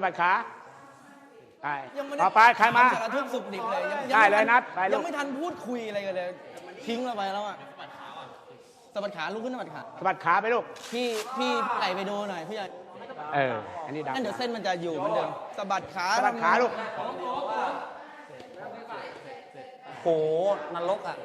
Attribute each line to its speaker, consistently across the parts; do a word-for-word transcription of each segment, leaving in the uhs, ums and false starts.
Speaker 1: บัดขาไปต่อไปใครมา
Speaker 2: สารทุกสุขดิบเลย
Speaker 1: ได้เลยนัดไปลูก
Speaker 2: ยังไม่ทันพูดคุยอะไรกันเลยทิ้งเราไปแล้วอ่ะสะบัดขาลุกขึ้นสะบัดขา
Speaker 1: สะบัดขาไปลูก
Speaker 2: พี่พี่ใหญ่ไปดูหน่อยพี่ใหญ่
Speaker 1: เอออันนี้ดัง
Speaker 2: นั่นเดี๋ยวเส้นมันจะอยู่เหมือนเดิมสะบัดขา
Speaker 1: สะบัดขาลูก
Speaker 2: โหนรกอ่ะ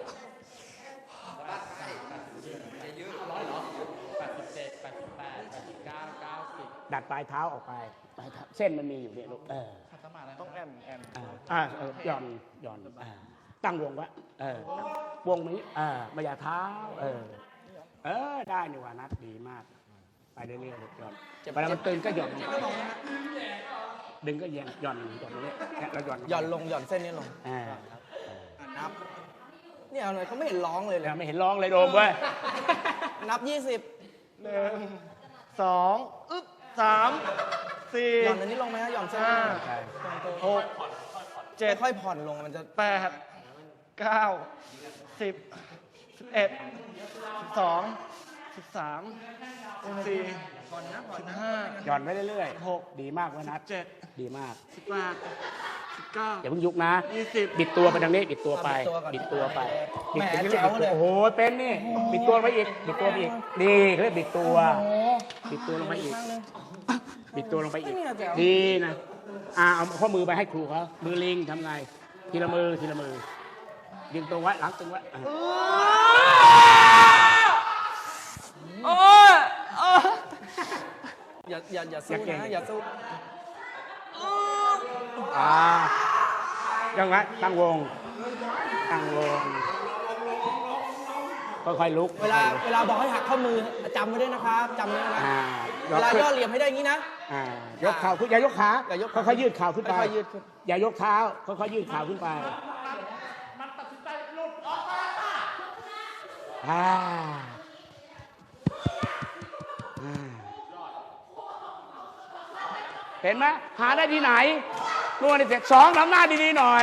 Speaker 1: ดัดปลายเท้าออกไปปลายเท้าเส้นมันมีอยู่เนี่ยลูกเออ
Speaker 2: ต้องแอมแอม
Speaker 1: อ่าหย่อนหย่อนตั้งวงไว้เออวงนี้อ่ามาอย่าเท้าเออเออได้นี่ว่านัดดีมากไปเรื่อยๆลูกหย่อนเวลามันตึงก็หย่อนดึงก็เย็นหย่อนหย่อนนี้แล้วหย่อน
Speaker 2: หย่อนลงหย่อนเส้นนี้ลง
Speaker 1: อ่า
Speaker 2: นับเนี่ยเอาหน่อยเขาไม่เห็นร้องเลยเลย
Speaker 1: ไม่เห็นร้องเลยโดมเว้ย
Speaker 2: นับยี่สิบ
Speaker 1: หนึ่งสองอึ๊บสามสี่
Speaker 2: หย่อนอันนี้ลงไหมฮะหย่อนเส้น
Speaker 1: หกเจ็ด
Speaker 2: ค่อยผ่อนลงมันจะ
Speaker 1: แปดเก้าสิบสิบเอ็ดสิบสองสิบสามสิบสี่สิบห้าหย่อนไปเรื่อยๆหกดีมากวะนัดเจ็ดดีมากสิบแปดสิบเก้าอย่าเพิ่งยุกนะยี่สิบบิดตัวไปทางนี้บิดตัวไปบิดตัวไป
Speaker 2: แหมเจ๋วเลย
Speaker 1: โอ้โหเป็นนี่บิดตัวไปอีกบิดตัวไปอีกดีเขาเรียกบิดตัวบิดตัวลงไปอีกบิดตัวลงไปอีกดีนะอ่าเอาข้อมือไปให้ครูเขามือลิงทำไงทีละมือทีละมือดึงตรงไว้หลังตรงไว้
Speaker 2: โอ้ยอย่าอย่าอย่าสู้นะอย่าสู้
Speaker 1: อ่ายังไงตั้งวงตั้งวงค่อยๆลุก
Speaker 2: เวลาเวลาบอกให้หักข้อมือจำไว้ด้วยนะครับจำไว้นะเวลาย่อเหลี่ยมให้ได้อย่างนี้นะ
Speaker 1: ยกเข่าขึ้นอย่ายกขาค่อยๆยืดเข่าขึ้นไป
Speaker 2: ยืดขึ้น
Speaker 1: อย่ายกเท้าค่อยๆยืดเข่าขึ้นไปอ่าเห็นไหมหาได้ที่ไหนนวดเสร็จสองทำหน้าดีๆหน่อย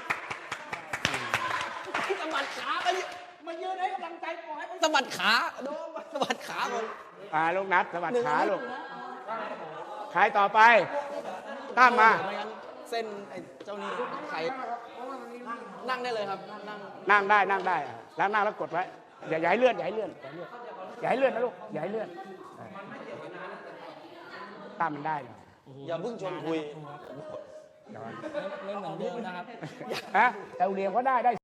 Speaker 2: สะบัดขาไปมายืนให้กำลังใจปล่อยสะบัดขาโดนสะบัดขาคน
Speaker 1: อ่าลูกนัดสะบัดขาลูกใครต่อไปตั้มมา
Speaker 2: เส้นไอ้เจ้านี่ไขนั่งได้เลยครับนั่ง
Speaker 1: นั่งได้นั่งได้แล้วนั่งแล้วกดไว้อย่าอย่าให้เลื่อนอย่าให้เลื่อนอย่าให้เลื่อนนะลูกอย่าให้เลื่อนตั้มมันได้เลย
Speaker 2: อย่าเพิ่งชวนคุยไม่เหมือนเดิมนะครับ
Speaker 1: ฮะแต่เรียนก็ได้ได้